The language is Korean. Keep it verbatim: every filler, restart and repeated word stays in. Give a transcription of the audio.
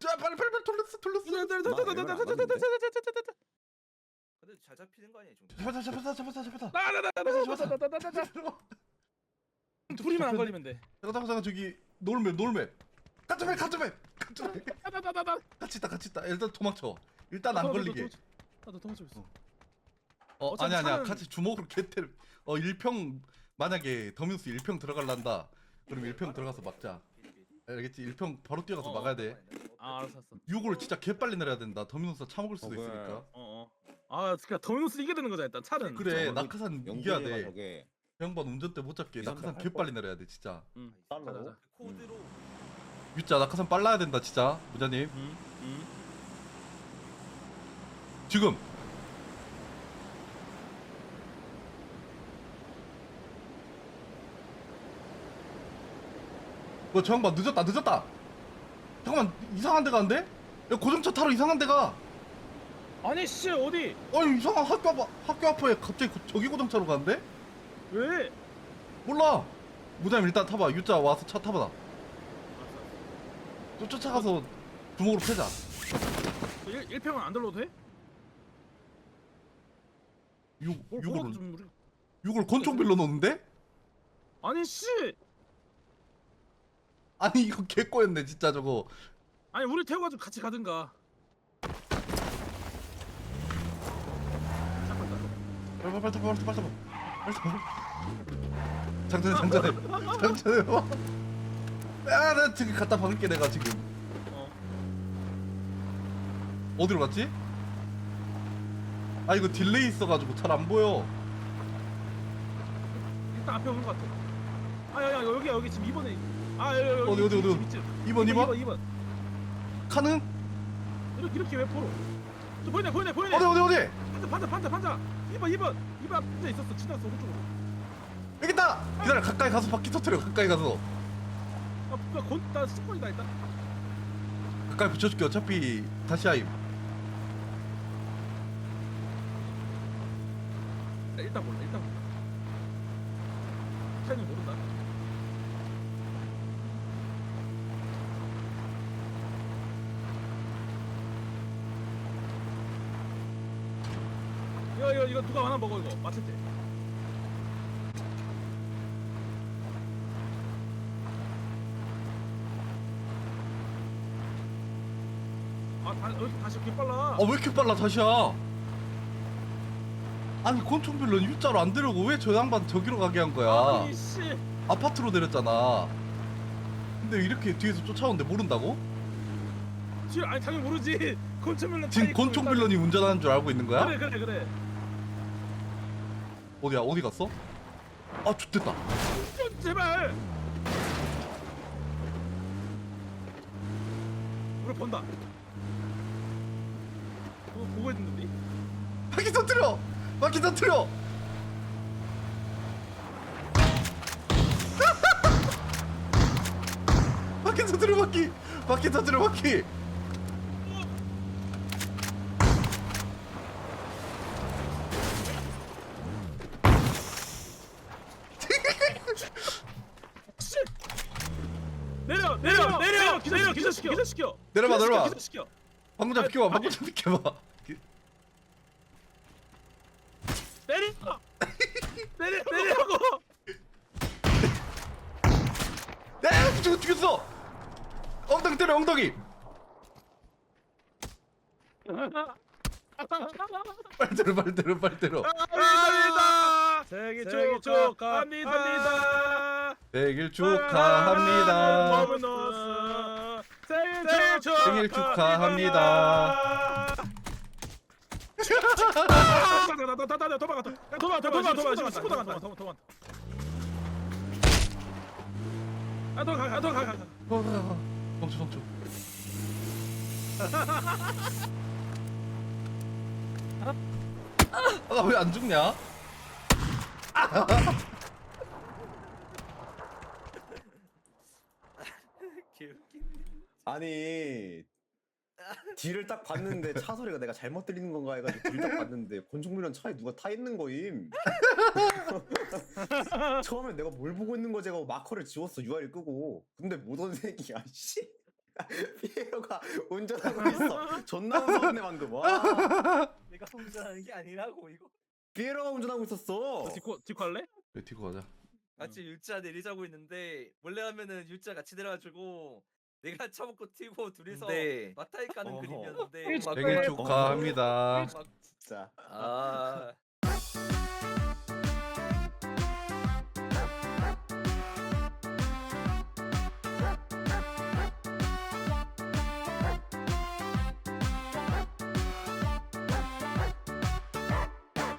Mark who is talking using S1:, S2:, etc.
S1: 야 빨리 빨리 빨리 돌렸어 돌렸어.
S2: 근데 잘 잡히는 거 아니야 좀.
S1: 잡았다 잡았다 잡았다 잡았다.
S3: 나나나나나나나나나나 둘이만 안 걸리면 돼.
S1: 잠깐 잠깐 잠깐 저기 놀맵 놀맵. 가점해 가점해 가점해.
S3: 나나나나나
S1: 같이 있다 같이 있다. 일단 도망쳐. 일단 안 걸리게.
S3: 나도 도망쳐 있어.
S1: 어
S3: 어차피
S1: 아니 아니야
S3: 차는-
S1: 같이 주먹으로 개태를. 어 일평 만약에 더뮤스 일평 들어갈란다. 그럼 일평 들어가서 막자. 알겠지? 일평 바로 뛰어가서
S3: 어,
S1: 막아야 돼.
S3: 아 알았어 알았어.
S1: 육을 진짜 개빨리 내려야 된다. 더뮤스 차먹을 수도
S4: 어, 그래.
S1: 있으니까.
S3: 어 어. 아 그러니까 더미노스 이겨야 되는 거잖아 일단 차는.
S1: 그래
S4: 저거
S1: 낙하산 이겨야
S4: 영준이가
S1: 돼.
S4: 저게
S1: 양반 운전대 못 잡게.
S4: 이삼
S1: 낙하산
S4: 팔
S1: 개빨리 내려야 돼 진짜.
S3: 응.
S4: 달러?
S3: 가자 가자.
S2: 코드로
S1: 유자 낙하산 빨라야 된다 진짜 무자님.
S3: 응. 응.
S1: 지금. 뭐 저 양반 늦었다 늦었다. 잠깐만 이상한 데 가는데? 야 고정차 타러 이상한 데 가.
S3: 아니 씨 어디?
S1: 아니 이상한 학교 앞 학교 앞에 갑자기 고- 저기 고정차로 가는데?
S3: 왜?
S1: 몰라. 무자님 일단 타봐. 유자 와서 차 타봐.
S3: 알았어.
S1: 또 쫓아가서 주먹으로 패자.
S3: 일 일평은 안 들러도 돼?
S1: 육
S3: 뭘
S1: 육을
S3: 뭐라도 좀 우리.
S1: 육을 권총 빌려 놓는데?
S3: 아니 씨.
S1: 아니 이거 개꼬였네 진짜 저거.
S3: 아니 우리 태워가지고 같이 가든가. 잠깐만.
S1: 빨리 빨리 빨리 빨리 빨리 빨리 빨리. 장전해 장전해 장전해 봐. 야나 지금 갖다 박을게 내가 지금.
S3: 어.
S1: 어디로 갔지? 아 이거 딜레이 있어가지고 잘 안 보여.
S3: 일단 앞에 오는 것 같아. 아야야 여기 여기 지금 이 번에. 아 여기 여기
S1: 어디, 어디, 어디, 어디? 이 번, 이 번?
S3: 이 번.
S1: 카능?
S3: 이렇게 이렇게 왜 포로? 저 보이네 보이네 보이네.
S1: 어디 어디 어디?
S3: 판자 판자 판자 판자. 이 번 이 번 이 번 판자 있었어. 지나갔어 오른쪽으로.
S1: 여기 있다. 기다려 가까이 가서 바퀴 터트려 가까이 가서.
S3: 아 뭐야 곤나 스폰이다 일단.
S1: 가까이 붙여줄게 어차피 다시 하임.
S3: 야, 일단 몰라 일단 몰라. 타이밍 모른다. 이거 이거 이거 누가 하나 먹어 이거 맞췄지? 아다 여기 다시 이렇게 빨라.
S1: 아 왜 이렇게 빨라 다시야? 아니 권총 빌런 U자로 안 되려고 왜 저 양반 저기로 가게 한 거야?
S3: 아니 씨.
S1: 아파트로 내렸잖아. 근데 이렇게 뒤에서 쫓아오는데 모른다고?
S3: 지금 아니 당연히 모르지. 권총빌런
S1: 지금 권총 빌런이 운전하는 줄 알고 있는 거야?
S3: 그래 그래 그래.
S1: 어디야 어디 갔어? 아 좋됐다.
S3: 좀 제발. 우리 본다. 어, 보고 있는데.
S1: 바퀴 터트려! 바퀴 터트려! 바퀴 터트려 바퀴! 바퀴 터트려 바퀴!
S3: 씨. 내려 내려 내려 기절 기절시켜 기절시켜.
S1: 내려봐,
S3: 기절시켜,
S1: 내려봐.
S3: 기절시켜.
S1: 방금 좀
S3: 아니,
S1: 비켜봐
S3: 아니.
S1: 방금 좀 비켜봐.
S3: 내려. 내려 내려고.
S1: 야 죽 죽였어! 엉덩이 때려 엉덩이! 빨리 때려 빨리 때려 빨리 때려.
S3: 합니다. 생일 축하합니다.
S1: 생일 축하합니다.
S3: 더미노스 생일 축
S1: 생일 축하합니다.
S3: 도망가 도망가 도망가 도망가 도망가 친구 도망가 도망가 도망가 아 도망가 아 도망가
S1: 멈춰 멈춰. 아 왜 안 죽냐?
S2: 개웃기네.
S4: 아니 뒤를 딱 봤는데 차 소리가 내가 잘못 들리는 건가 해가지고 뒤를 딱 봤는데 권총빌런 차에 누가 타 있는 거임. 처음에 내가 뭘 보고 있는 거지 하고 마커를 지웠어 유아를 끄고. 근데 못 온 새끼야 씨. 피에로가 운전하고 있어. 존나 무서웠네 방금. 와.
S2: 내가 운전하는 게 아니라고 이거.
S4: 피에로가 운전하고 있었어.
S3: 너 디코 디코 할래?
S1: 왜 티고 가자.
S2: 같이 율자 내리자고 있는데 원래 하면은 율자 같이 내려가지고 내가 차먹고 튀고 둘이서 마타이 까는
S4: 어허.
S2: 그림이었는데 막
S1: 생일 축하합니다.
S2: 막
S4: 진짜.
S2: 아